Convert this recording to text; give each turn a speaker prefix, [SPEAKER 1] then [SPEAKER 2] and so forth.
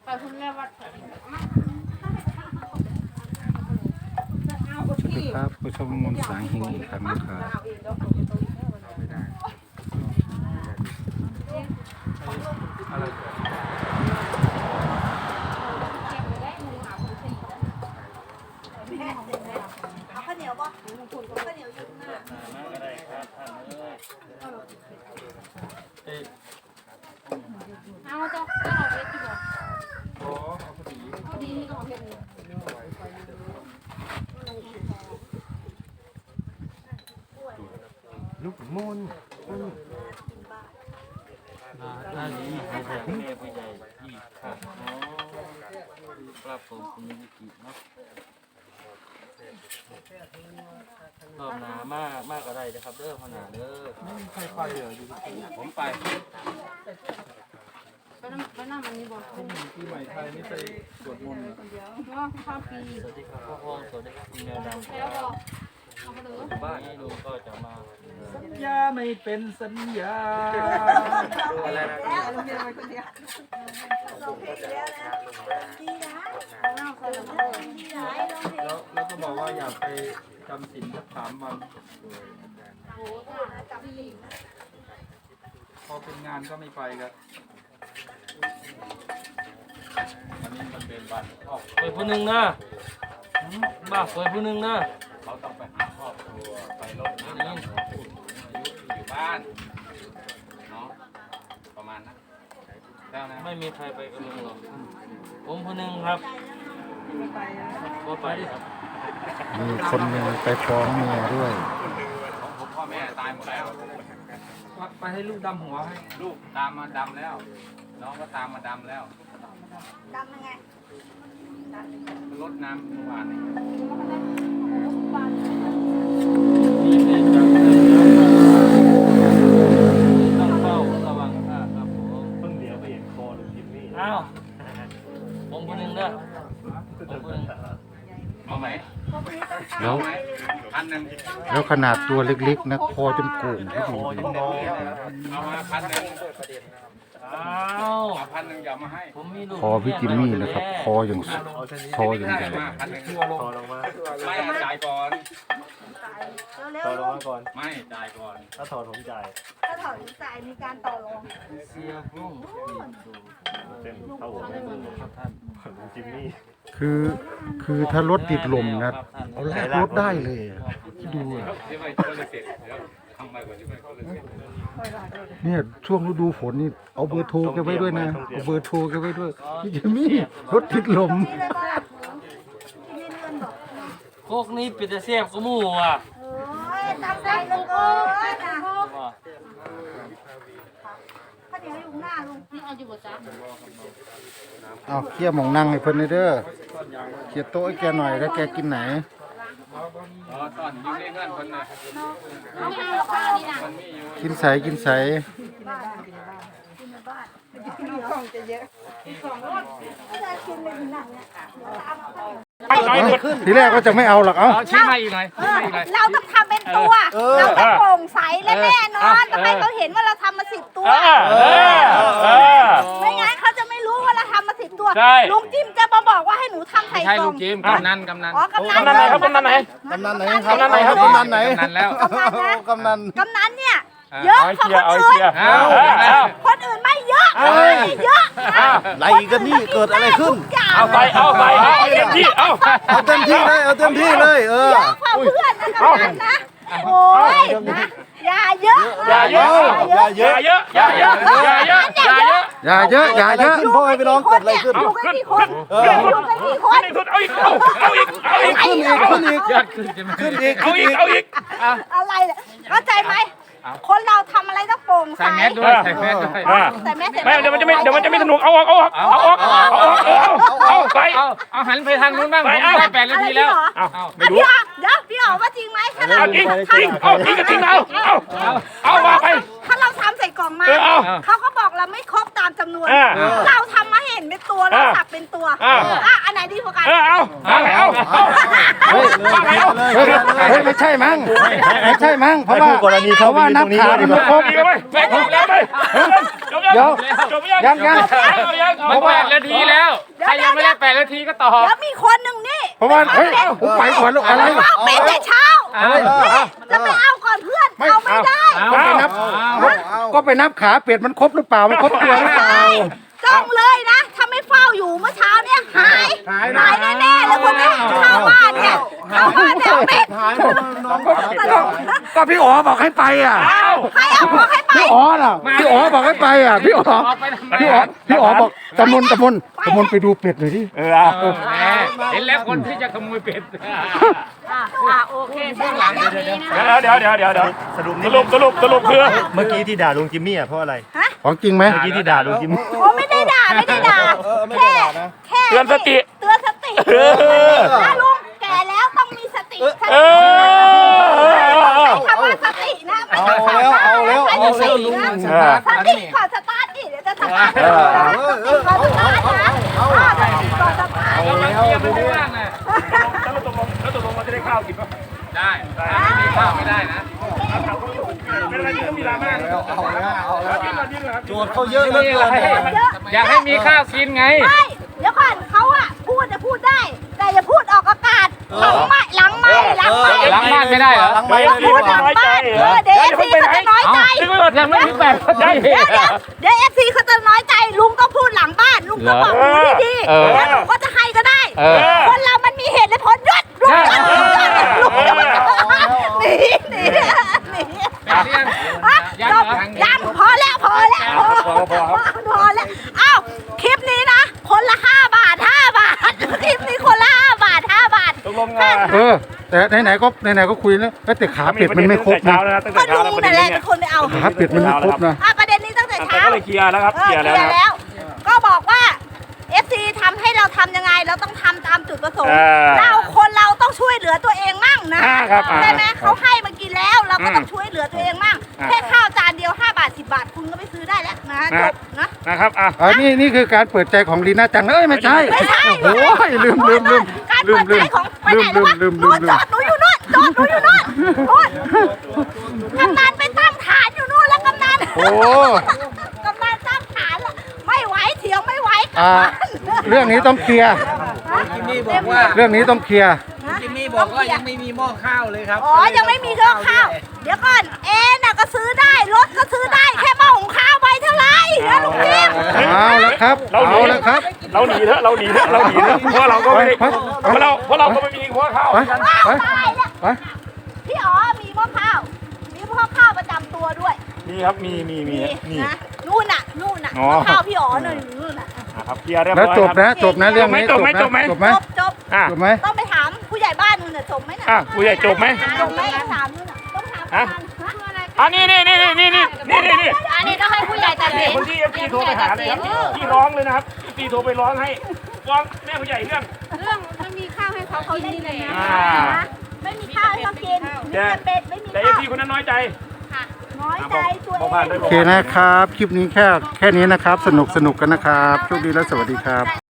[SPEAKER 1] สวัสดีครับผู้ชมมนต์สางเฮงอีกครั้งนะครับ
[SPEAKER 2] เอาข้าวเหนียวป่ะข้าวเหนียวยุ่งหน้าเอาเจ้าเอาเพชรดีกว่าโอ้เอาพอดีนี่ก็เอาเพชร
[SPEAKER 3] ลูกมูล
[SPEAKER 4] น่าดีให้แทนแม่ผู้ใหญ่อีกครับครับผมคุณมิกิเนาะรอบหนามากก็ได้นะครับเด้อพ่อหนาเด้อไม่มีใครไปเลยผมไป
[SPEAKER 2] น้ำมันนี่บอก
[SPEAKER 3] ปีใหม่ไทยนี่ไปสวดมนต์
[SPEAKER 2] ว่าข้าวปี
[SPEAKER 4] สวัสดีครับพ่อห้องสวัสดีครับคุณแมวดำ
[SPEAKER 2] แล้วบอกเอาไปเลย
[SPEAKER 4] บ้านนี้ลุงก็จะมา
[SPEAKER 3] สัญญาไม่เป็นสัญญาอะไรนะ
[SPEAKER 2] แล้วเราเพลงแล้วนะดีนะน้ำใส่ลงไปดีนะ
[SPEAKER 3] แล้วก็บอกว่าอยากไปจำศีลสัก3 วัน
[SPEAKER 2] โอ้โหจับดี
[SPEAKER 3] พอเป็นงานก็ไม่ไปครับวันนี้มันเป็นวันออก
[SPEAKER 4] เปิดผู้หนึ่งนะบ้าเปิดผู้หนึ่งนะ
[SPEAKER 3] เขาต้องไปหาครอบครัวไปรดน้ำดำหัวผู้สูงอายุที่อยู่บ้านเนาะประมาณนั้นแล้วนะ
[SPEAKER 4] ไม่มีใครไปกับลุงหรอกผมผู้หนึ่งครับก็ไปครับ
[SPEAKER 1] มีคนหนึ่งไปฟ้องเมียด้วย
[SPEAKER 3] ของผมพ่อแม่ตายหมดแล้วไปให้ลูกดำหัวให้ลูกตามมาดำแล้วน้องก็ตามมาดำแล้ว
[SPEAKER 2] ดำยังไง
[SPEAKER 3] รดน้ำเมื่อวานนี้
[SPEAKER 4] มีเรื่องจังต้องเฝ้าระวังครับผมเพิ่งเดี๋ยวไปเห็นคอลุงจิมมี่อ้าวผมคนหนึ่งเด้อผมคนหนึ่ง
[SPEAKER 3] เอาไหม
[SPEAKER 1] แล้ว
[SPEAKER 3] 1,000
[SPEAKER 1] แล้วขนาดตัวเล็กๆนะคอจนโก่งที่ดูดิ
[SPEAKER 3] เอามา1,000
[SPEAKER 4] อ้าว
[SPEAKER 3] 1,000อย่ามาให้
[SPEAKER 4] ผมมีลูก
[SPEAKER 1] คอพี่จิมมี่นะครับคออย่างใหญ่
[SPEAKER 3] มา1,000ถอดลงมาไม่จ่ายก่อน
[SPEAKER 2] เร็ว
[SPEAKER 5] ต่อรองมาก่อน
[SPEAKER 3] ไม่จ่ายก่อน
[SPEAKER 5] ถ้าถอดผมจ่าย
[SPEAKER 2] ถ้าถอดจ่ายมีการต่อรอง
[SPEAKER 4] เสียพุ่ง
[SPEAKER 5] เป็นเท่าผมไม่มือครับท่านลุงจิมมี่
[SPEAKER 1] คือถ้ารถติดลมนะเอาลากรถได้เลยอะดูอะ
[SPEAKER 3] ที่ไม่ก็เลยเสร็จแล้วทำไปก่อนที่ไม่ก็เลยเสร็จ
[SPEAKER 1] เนี่ยช่วงฤดูฝนนี่เอาเบอร์โทรแกไว้ด้วยนะเอาเบอร์โทรแกไว้ด้วยพี่จิมมี่รถติดลม
[SPEAKER 2] นี่เลยป่ะนี่เลื่อนบอก
[SPEAKER 4] โคกนี้ปิดแต่เสียบกูมู่อ่ะ
[SPEAKER 2] โอ้ยตั้งใจเลยโอ้ยนะข้าวเหนียวอยู่หน้าลุงนี่เอาอยู่บนจ้า
[SPEAKER 1] เอาเคลียร์หมองนั่งให้เพิ่นเลยเด้อเคลียร์โต๊ะให้แกหน่อยแล้วแกกินไหน
[SPEAKER 3] ตอนอยู่ในเงื่อนคนน่ะ
[SPEAKER 2] น้องไม่เอาข้าวนี่นะ
[SPEAKER 3] มันมีอยู่
[SPEAKER 1] กินใสกินใส
[SPEAKER 2] บ้านกินในบ้านของจะเยอะไม่ได้กินเลยหนังเนี่ย
[SPEAKER 1] ทีแรกก็จะไม่เอาหรอกเอ้า
[SPEAKER 3] ชี้มาอีกหน่อยชี้มาอีกหน่อย
[SPEAKER 2] เราต้องทำเป็นตัว เราต้องโปร่งใสและแน่นอนทำไมเขาเห็นว่าเราทำมา10 ตัวไม่งั้นเขาจะไม่รู้ว่าเราทำมา10 ตัวลุงจิ้มจะมาบอกว่าให้หนูทำใส่
[SPEAKER 3] ใช่
[SPEAKER 2] กล่
[SPEAKER 3] ลุ
[SPEAKER 2] อง
[SPEAKER 3] งจิมกำนัน
[SPEAKER 2] อ๋อกำนัน
[SPEAKER 4] ไหนครับกำนันไหน
[SPEAKER 1] กำนันไหนครับกำนันไหนครับกำนันไหน
[SPEAKER 3] กำนันแล้ว
[SPEAKER 2] กำนันนะ
[SPEAKER 1] กำนัน
[SPEAKER 2] กำนันเนี่ยเยอะกว่าคนอื่นคนอื่นไม่เยอะเยอะ
[SPEAKER 1] ไรกันนี่เกิดอะไรขึ้น
[SPEAKER 4] เอาไปเอาเต็มที่เอา
[SPEAKER 1] เอาเต็มที่เลยเอาเต็มที่เลยเออ
[SPEAKER 2] เยอะกว่าเพื่อนนะกำนันนะโอ้ยนะอย่าเยอะ
[SPEAKER 4] อย่าเยอะอย่าเยอะอย่าเยอะอย่าเยอะอย่าเยอะ
[SPEAKER 1] อย่าเยอะอย่าเยอะพ่อไปลองกดอะไรขึ้น
[SPEAKER 2] อยู่กันกี่คนอยู่กันกี่คน
[SPEAKER 4] เอาอีกเอาอีกเอาอีก
[SPEAKER 1] ขึ้นอีกขึ้นอีก
[SPEAKER 3] ยอดขึ้นใช่ไหม
[SPEAKER 1] ขึ้นอีก
[SPEAKER 4] เอาอีกเอาอีก
[SPEAKER 2] อะไรเนี่ยเข้าใจไหมคนเราทำอะไรต้องโปร่งใส
[SPEAKER 3] ใส่แมสด้วยใส่แมสด้วย
[SPEAKER 2] ใส่แมส
[SPEAKER 4] ไม่เดี๋ยวมันจะไม่สนุกเอาไป
[SPEAKER 3] เอาหันไปทางนู้นบ้างผมได้8 นาทีแล้ว
[SPEAKER 2] ไม่รู้เดี๋ยวพี่อ๋อว่าจริงไหมถ้าเรา
[SPEAKER 4] จริงเอาจริงก็จริงเอามาไป
[SPEAKER 2] ถ้าเราทำใส่กล่องมาเขาก็บอกเราไม่ครบตามจำนวนเราทำมาเห็นเป็นตัวเราสับเป็นตัวอันไหนดีกว่ากัน
[SPEAKER 4] เอา
[SPEAKER 1] เฮ้ยไม่ใช่มั้งไม่ใช่มั้งเพราะว่านับขามันไม่ครบ
[SPEAKER 4] ไปแล้วไปจบ
[SPEAKER 1] เดี๋ยว
[SPEAKER 5] จบยัง
[SPEAKER 1] ยัง
[SPEAKER 3] มัน8 นาทีแล้ว ใครยังไม่ได้8 นาทีก็ตอบ
[SPEAKER 2] แล้วมีคนหนึ่งนี่
[SPEAKER 1] เพราะว่าเฮ้ยผมไปก่อนแล้วอะไร
[SPEAKER 2] เอาเป็นแต่เช้าจะไปเอาก่อนเพื่อนเอาไม่ได้
[SPEAKER 1] ก็ไปนับขาเป็ดมันครบหรือเปล่ามันครบตัวหรือเปล่า
[SPEAKER 2] ต้องเลยนะ ถ้าไม่เฝ้าอยู่เมื่อเช้าเนี่ยหายแน่ๆเลยคนนี้เข้าบ้านเนี่ยเข้าบ้านเนี่ยเป็ด
[SPEAKER 1] ก็พี่อ๋อบอกให้ไปอ่ะ
[SPEAKER 2] ใครเอาบอกให้ไป
[SPEAKER 1] พี่อ๋อน่ะพี่อ๋อบอกให้ไปอ่ะพี่อ๋อ
[SPEAKER 3] ออกไปทำไม
[SPEAKER 1] พี่อ๋อบอกตะมนไปดูเป็ดหน่อยดิ
[SPEAKER 3] แหมเห็นแล้วคนที่จะขโมยเป็ด
[SPEAKER 2] โอเคเรื่องหลังแบบนี้นะ
[SPEAKER 5] เดี๋ยวสรุปคือ
[SPEAKER 6] เมื่อกี้ที่ด่าลุงจิมมี่อ่ะเพราะอะไร
[SPEAKER 1] ของจริงไหม
[SPEAKER 6] เมื่อกี้ที่ด่าลุงจิมมี่
[SPEAKER 2] โอ้ไม่ได้ด่าแค่
[SPEAKER 5] เตือนสติ
[SPEAKER 2] เตือนสติถ้าลุงแก่แล้วต้องมีสติใช้คำว่าสตินะไม่ใช่สตินะสติก่อนสตาร์ทดิเดี๋ยวจะสตาร์ทก่อนสตาร์ทนะก่อนสตาร์ท
[SPEAKER 3] เอาแล้วเกียร์ไม่ว่างนะ
[SPEAKER 5] แล้วตกลงเราจะได้ข้าวกินป่ะ
[SPEAKER 3] ได้ไม่มีข้าวไม่ได้นะ
[SPEAKER 5] เป็นอะไรที่ต้องมีดราม่าเอากินก่อนครับ
[SPEAKER 1] โจทย์เขาเยอะเหลือเกิน
[SPEAKER 3] อยากให้มีข้าวกินไง
[SPEAKER 2] ไม่เดี๋ยวก่อนเขาอะพูดจะพูดได้ แต่อย่าพูดออกอากาศหลังบ้าน
[SPEAKER 3] หลังบ้านไม่ได้เหรอ
[SPEAKER 2] อย่าพูดหลังบ้านเดี๋ยวเอฟซีเขาจะน้อยใจ
[SPEAKER 3] นึกว่ายังไม่ถึง8 นาที
[SPEAKER 2] เดี๋ยวเอฟซีเขาจะน้อยใจลุงก็พูดหลังบ้านลุงก็บอกหนูดีๆแล้วหนูก็จะให้ก็ได้คนเรามันมีเหตุและผลยศลุงยศหนียังพอแล้วพอแล้วอ้าวคลิปนี้นะคนละ5 บาทคลิปนี้คนละ5 บาท
[SPEAKER 5] ตกลง
[SPEAKER 1] แต่ไหนๆก็คุยแล้วแต่ขาเป็ดมันไม่ครบนะ
[SPEAKER 5] ตั้ง
[SPEAKER 2] ก็
[SPEAKER 5] แต่เช้า
[SPEAKER 2] ลุ
[SPEAKER 5] แล้ว
[SPEAKER 2] งนั่นแหละเป็นคนไปเอา
[SPEAKER 1] ขาเป็ดมันไม่ครบนะ
[SPEAKER 2] ประเด็นนี้ตั้งแต่เช้า
[SPEAKER 5] ก็เลยเคลียร์แล้วครับ เคลียร์แล้ว
[SPEAKER 2] แล้ว ก็บอกว่า FC ทำให้เราทำยังไงเราต้องทำตามจุดประสงค์คนเราต้องช่วยเหลือตัวเองมั่งนะใช่ไหมเขาให้มากินแล้วเราก็ต้องช่วยเหลือตัวเองมั่งแค่ข้าวจานเดียว5 บาท 10 บาทคุณก็ไปซื้อได้แล้วนะจบนะ
[SPEAKER 5] นะครับ
[SPEAKER 1] นี่คือการเปิดใจของลีน่าจังไม่ใช่โอ้ยลืม
[SPEAKER 2] การเปิดใจของไปไหนแล้ววะนู่นจอดหนูอยู่นู่นกำนันไปตั้งฐานอยู่นู่นแล้วกำนันตั้งฐานแล้วไม่ไหวเถียงไม่ไหว
[SPEAKER 1] เรื่องนี้ต้องเคลียร์
[SPEAKER 4] จิมมี่บอกว่า
[SPEAKER 1] เรื่องนี้ต้องเคลียร์
[SPEAKER 4] จิมมี่บอกว่ายังไม่มีหม้อข้าวเลยครับ
[SPEAKER 2] อ๋อยังไม่มีเครื่องข้าวเดี๋ยวก่อนน่ะก็ซื้อได้รถก็ซื้อได้แค่หม้อหุงข้าวไว้เท่าไหร่นะลุงจิ๊บ
[SPEAKER 1] เอาแล้วครับ
[SPEAKER 5] เราหนีเถอะเพราะเราก็ไม่ได้เพราะเราก็ไม่มีหัวข้าว
[SPEAKER 2] ตายแล้วพี่อ๋อมีหม้อข้าวประจำตัวด้วย
[SPEAKER 5] มีครับมี
[SPEAKER 2] นะนู่นน่ะหม้อข้าวพี่อ๋อนู่นน่ะ
[SPEAKER 5] ครับเคลียร์เรียบร้
[SPEAKER 1] แล้ว
[SPEAKER 5] อย
[SPEAKER 1] จบนะเรื่องนี้จบไหม
[SPEAKER 2] จบ
[SPEAKER 1] จบไหม
[SPEAKER 2] ต้องไปถามผู้ใหญ่บ้านนู่นน่ะจบไหมน่ะ
[SPEAKER 5] ผู้ใหญ่จบไหม
[SPEAKER 2] จบไหมถามนู่นน่ะต้องถาม
[SPEAKER 5] นี่
[SPEAKER 2] อันนี้ต้องให้ผู้ใหญ่ตัดสิน
[SPEAKER 5] คนที่เอฟซีโทรไปหาเลยครับที่ร้องเลยนะครับเอฟซีโทรไปร้องให้ร้องแม่ผู้ใหญ่เรื่อง
[SPEAKER 2] ไม่มีข้าวให้เขากินเลยไม่มีข้าวให้เขากินมีแต่เป็ดไม่มี
[SPEAKER 5] แต่เอ
[SPEAKER 2] ข้า
[SPEAKER 5] ฟ
[SPEAKER 2] ว
[SPEAKER 5] ซีคนนั้นน้อยใจ
[SPEAKER 2] น้อยใจตัวเอง
[SPEAKER 1] โอเคนะครับ คลิปนี้แค่นี้นะครับ สนุกกันนะครับ โชคดีและสวัสดีครับ